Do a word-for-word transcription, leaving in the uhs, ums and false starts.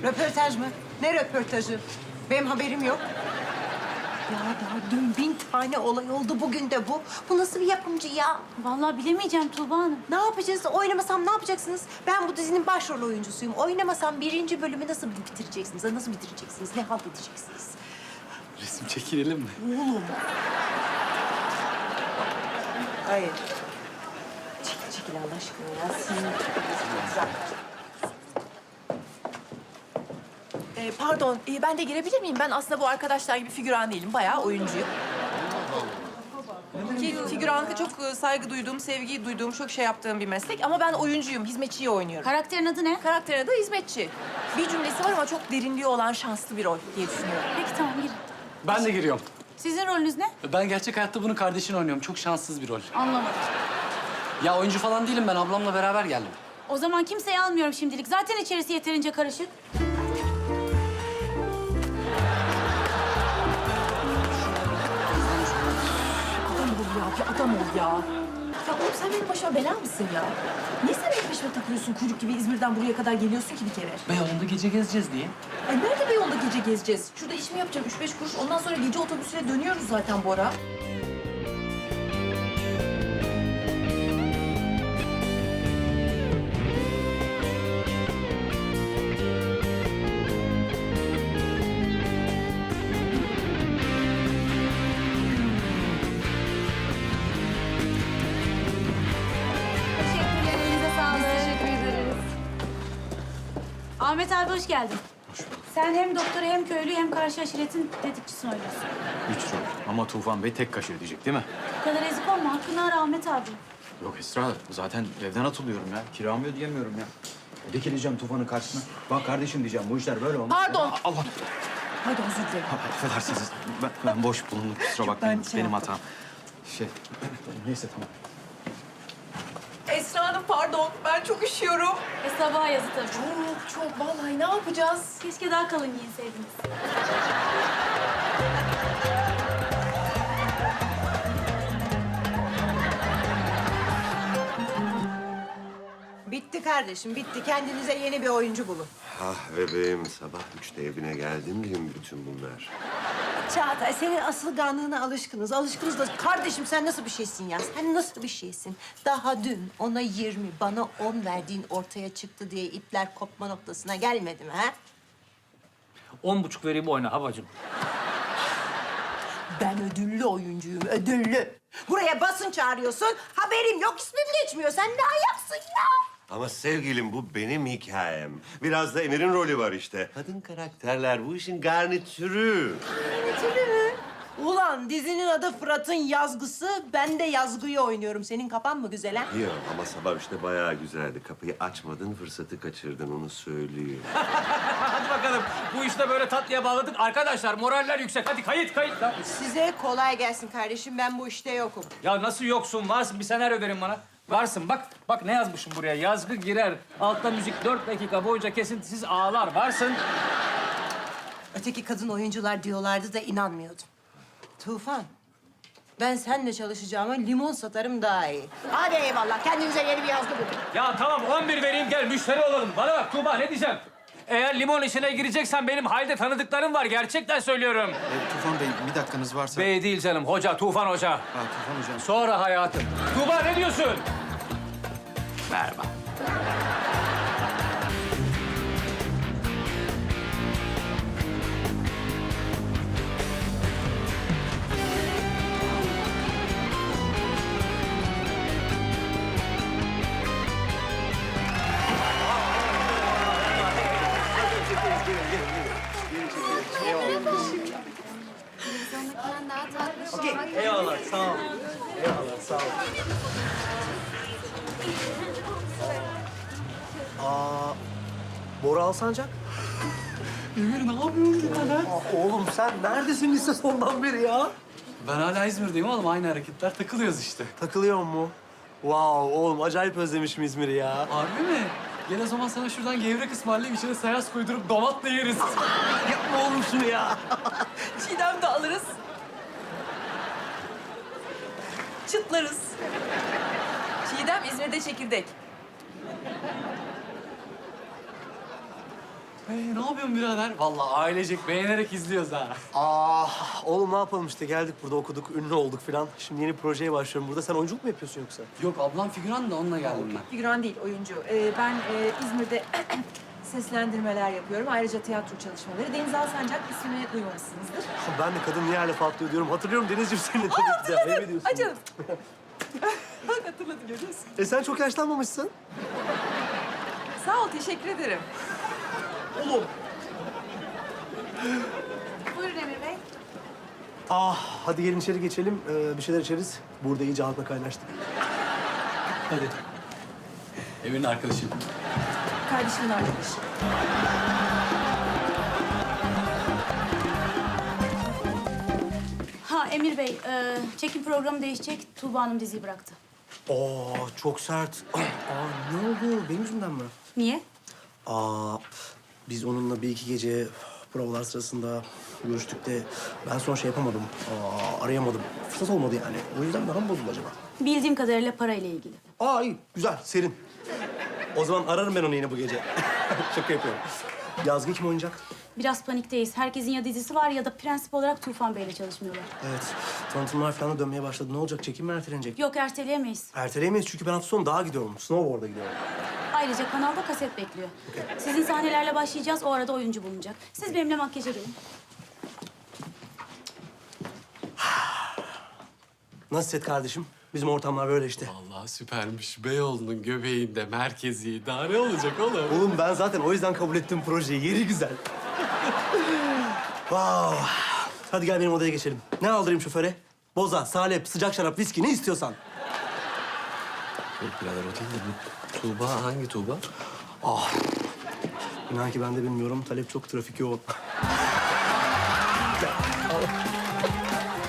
Röportaj mı? Ne röportajı? Benim haberim yok. Ya daha dün bin tane olay oldu, bugün de bu. Bu nasıl bir yapımcı ya? Vallahi bilemeyeceğim Tuğba Hanım. Ne yapacağız? Oynamasam ne yapacaksınız? Ben bu dizinin başrol oyuncusuyum. Oynamasam birinci bölümü nasıl bitireceksiniz? Nasıl bitireceksiniz? Ne halt edeceksiniz? Resim çekilelim mi? Oğlum. Hayır. Çekil çekil Allah aşkına ya. Sinir. Ee, pardon, e, ben de girebilir miyim? Ben aslında bu arkadaşlar gibi figüran değilim. Bayağı oyuncuyum. Ki figüranlıkta çok e, saygı duyduğum, sevgi duyduğum, çok şey yaptığım bir meslek. Ama ben oyuncuyum, hizmetçiyi oynuyorum. Karakterin adı ne? Karakterin adı hizmetçi. Bir cümlesi var ama çok derinliği olan şanslı bir rol diye düşünüyorum. Peki tamam girin. Ben de giriyorum. Sizin rolünüz ne? Ben gerçek hayatta bunun kardeşini oynuyorum. Çok şanssız bir rol. Anlamadım. Ya oyuncu falan değilim ben. Ablamla beraber geldim. O zaman kimseyi almıyorum şimdilik. Zaten içerisi yeterince karışık. Adam ol ya, bir adam ol ya. Ya oğlum sen benim başıma bela mısın ya? Niye sen benim peşime takılıyorsun? Kuyruk gibi İzmir'den buraya kadar geliyorsun ki bir kere. Beyoğlu'nda gece gezeceğiz diye. Ay nerede bir yolda gece gezeceğiz? Şurada işimi yapacağım üç beş kuruş. Ondan sonra gece otobüsüne dönüyoruz zaten Bora. Teşekkürler, elinize sağlık. Teşekkür ederiz. Ahmet abi hoş geldin. Hoş bulduk. Sen hem doktoru hem köylü hem karşı aşiretin tetikçisini oynuyorsun. Üç rol. Ama Tufan Bey tek kaşe ödeyecek değil mi? Bu kadar ezik olma. Hakkını ara Ahmet abi. Yok Esra, zaten evden atılıyorum ya. Kiramı ödeyemiyorum ya. Dikileceğim Tufan'ın karşısına. Bak kardeşim diyeceğim, bu işler böyle olmaz. Pardon. Aa, Allah! Pardon özür dilerim. Ha, affedersiniz. Ben, ben boş bulundum, kusura bakmayın. Ben şey Benim yaptım. hatam. Şey, neyse tamam. Esra Hanım pardon. Ben çok üşüyorum. E sabaha yazı tabii. Çok çok vallahi ne yapacağız? Keşke daha kalın giyinseydiniz. Bitti kardeşim, bitti. Kendinize yeni bir oyuncu bulun. Ah bebeğim, sabah üçte evine geldim diyeyim bütün bunlar. Çağatay, senin asılganlığına alışkınız. Alışkınız da kardeşim sen nasıl bir şeysin ya? Sen nasıl bir şeysin? Daha dün ona yirmi, bana on verdiğin ortaya çıktı diye ipler kopma noktasına gelmedi mi ha? On buçuk vereyim oyna havacım. Ben ödüllü oyuncuyum, ödüllü. Buraya basın çağırıyorsun, haberim yok, ismim geçmiyor. Sen ne ayaksın ya? Ama sevgilim bu benim hikayem. Biraz da Emir'in rolü var işte. Kadın karakterler bu işin garnitürü. Ulan dizinin adı Fırat'ın yazgısı, ben de yazgıyı oynuyorum. Senin kafan mı güzel ha? Yok ama sabah işte bayağı güzeldi. Kapıyı açmadın, fırsatı kaçırdın onu söyleyeyim. Hadi bakalım. Bu işte böyle tatlıya bağladık. Arkadaşlar moraller yüksek. Hadi kayıt kayıt. Lan. Size kolay gelsin kardeşim, ben bu işte yokum. Ya nasıl yoksun? Varsın. Bir senaryo verin bana. Varsın. Bak bak ne yazmışım buraya. Yazgı girer. Altta müzik dört dakika boyunca kesintisiz ağlar. Varsın. Öteki kadın oyuncular diyorlardı da inanmıyordum. Tufan, ben seninle çalışacağıma limon satarım daha iyi. Hadi eyvallah, kendinize yeni bir yazgı bulun. Ya tamam on bir vereyim gel müşteri olalım. Bana bak Tuğba ne diyeceğim? Eğer limon işine gireceksen benim halde tanıdıklarım var. Gerçekten söylüyorum. E, Tufan Bey, bir dakikanız varsa... Bey değil canım. Hoca, Tufan Hoca. Ha, Tufan Hocam. Sonra hayatım. Tuğba ne diyorsun? Merhaba. Eyvallah, sağ ol. Eyvallah, sağ ol. Aa, Bora Alsancak. Emir ne yapıyorsun ya lan? Aa, oğlum sen neredesin lise sondan beri ya? Ben hala İzmir'deyim oğlum. Aynı hareketler. Takılıyoruz işte. Takılıyor mu? Wow, oğlum acayip özlemişim İzmir'i ya. Harbi mi? Gel o zaman sana şuradan gevrek ısmarlayayım. İçine sayas koydurup domatla yeriz. Yapma oğlum şunu ya. Çiğdem de alırız. Çıtlarız. Çiğdem İzmir'de çekirdek. Ee, ne yapıyorsun birader? Vallahi ailecek beğenerek izliyoruz ha. Ah oğlum ne yapalım işte geldik burada okuduk, ünlü olduk filan. Şimdi yeni bir projeye başlıyorum burada. Sen oyunculuk mu yapıyorsun yoksa? Yok ablam figüran da onunla geldim ben. Figüran değil, oyuncu. Ee, ben e, İzmir'de seslendirmeler yapıyorum. Ayrıca tiyatro çalışmaları. Deniz Alsancak ismini duymamışsınızdır. Ben de kadın niye hala patlıyor diyorum. Hatırlıyorum Denizciğim seni tabii ki de. Ayıp ediyorsun. Ay canım. Bak hatırladım, görüyorsun. E sen çok yaşlanmamışsın. Sağ ol, teşekkür ederim. Oğlum. Buyurun Emir Bey. Ah hadi gelin içeri geçelim. Ee, bir şeyler içeriz. Burada iyice halkla kaynaştık. Hadi. Emir'in arkadaşı. Kardeşimin arkadaşı. Ha Emir Bey, e, çekim programı değişecek. Tuğba Hanım diziyi bıraktı. Aa çok sert. Aa ne oldu? Benim yüzümden mi? Niye? Aa biz onunla bir iki gece provalar sırasında görüştük de ben sonra şey yapamadım. Aa, arayamadım. Fırsat olmadı yani. O yüzden daha mı bozuldu acaba? Bildiğim kadarıyla parayla ilgili. Aa iyi, güzel, serin. O zaman ararım ben onu yine bu gece. Şaka yapıyorum. Yazgı kim oynayacak? Biraz panikteyiz. Herkesin ya dizisi var ya da prensip olarak Tufan Bey'le çalışmıyorlar. Evet, tanıtımlar falan da dönmeye başladı. Ne olacak? Çekim mi ertelenecek? Yok erteleyemeyiz. Erteleyemeyiz çünkü ben hafta sonu dağa gidiyorum. Snowboard'a gidiyorum. Ayrıca kanalda kaset bekliyor. Sizin sahnelerle başlayacağız. O arada oyuncu bulunacak. Siz benimle makyaja gelin. Nasıl set kardeşim? Bizim ortamlar böyle işte. Vallahi süpermiş. Beyoğlu'nun göbeğinde, merkezi. Daha ne olacak oğlum? Oğlum ben zaten o yüzden kabul ettim projeyi. Yeri güzel. Wow. Hadi gel benim odaya geçelim. Ne aldırayım şoföre? Boza, salep, sıcak şarap, viski ne istiyorsan. Yok birader o değil de bu Tuğba hangi Tuğba? Ah. İnan ki ben de bilmiyorum. Talep çok trafik yoğun.